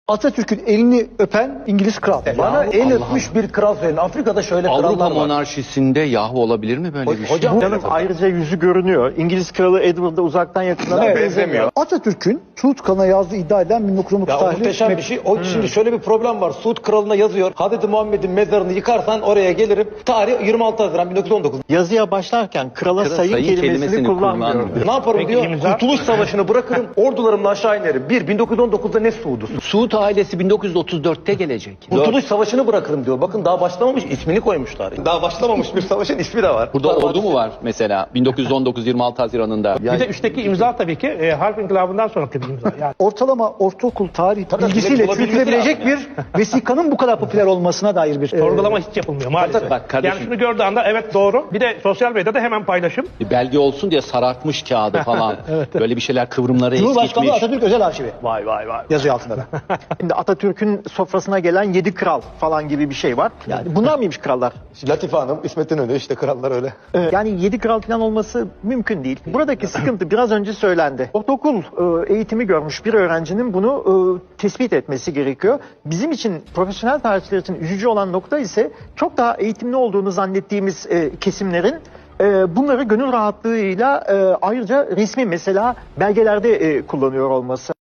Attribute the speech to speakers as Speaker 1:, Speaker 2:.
Speaker 1: Atatürk'ün elini öpen İngiliz kral.
Speaker 2: Bana el öpmüş bir kral söyleyin. Afrika'da şöyle krallar
Speaker 3: Avrupa
Speaker 2: var.
Speaker 3: monarşisinde yahu olabilir mi böyle bir şey?
Speaker 2: Hocam
Speaker 4: Canım ayrıca yüzü görünüyor. İngiliz kralı Edward'a uzaktan yakından
Speaker 2: Evet,
Speaker 4: benzemiyor.
Speaker 1: Atatürk'ün Suud Kralı'na yazdığı iddia edilen 1919
Speaker 2: ya o
Speaker 1: tarihli
Speaker 2: muhteşem bir şey. O şimdi şöyle bir problem var. Suud kralına yazıyor. Hazreti Muhammed'in mezarını yıkarsan oraya gelirim. Tarih 26 Haziran 1919.
Speaker 4: Yazıya başlarken krala sayın kelimesini kullanmıyor.
Speaker 2: Ne yaparım diyor? Kurtuluş Savaşı'nı bırakırım. Ordularımla aşağı inerim. 1919'da ne Suud'u?
Speaker 3: Suud ailesi 1934'te gelecek.
Speaker 2: Kurtuluş Savaşı'nı bırakırım diyor. Bakın daha başlamamış, ismini koymuşlar. Daha başlamamış bir savaşın ismi de var.
Speaker 3: Burada ordu mu var mesela 1919-26 Haziran'ında?
Speaker 5: Bir de üstteki imza tabii ki harp inkılabından sonraki bir imza. Yani
Speaker 1: ortalama ortaokul tarih
Speaker 2: Tabii,
Speaker 1: bilgisiyle
Speaker 2: olabilmesi
Speaker 1: çürütülebilecek bir vesikanın bu kadar popüler olmasına dair bir
Speaker 5: sorgulama hiç yapılmıyor maalesef.
Speaker 3: Bak kardeşim.
Speaker 5: Yani şunu gördüğü anda evet doğru. Bir de sosyal medyada hemen paylaşım.
Speaker 3: Bir belge olsun diye sarartmış kağıdı falan. Böyle bir şeyler kıvrımları
Speaker 1: Cumhurbaşkanlığı
Speaker 3: eskitmiş.
Speaker 1: Atatürk Özel Arşivi
Speaker 5: Vay vay vay.
Speaker 1: yazıyor altında da.
Speaker 4: Şimdi Atatürk'ün sofrasına gelen 7 kral falan gibi bir şey var. Yani bunlar mıymış krallar?
Speaker 2: Latife Hanım, İsmet İnönü işte krallar öyle.
Speaker 4: Yani 7 kral falan olması mümkün değil. Buradaki sıkıntı biraz önce söylendi. Ortaokul eğitimi görmüş bir öğrencinin bunu tespit etmesi gerekiyor. Bizim için, profesyonel tarihçiler için üzücü olan nokta ise çok daha eğitimli olduğunu zannettiğimiz kesimlerin bunları gönül rahatlığıyla ayrıca resmi mesela belgelerde kullanıyor olması.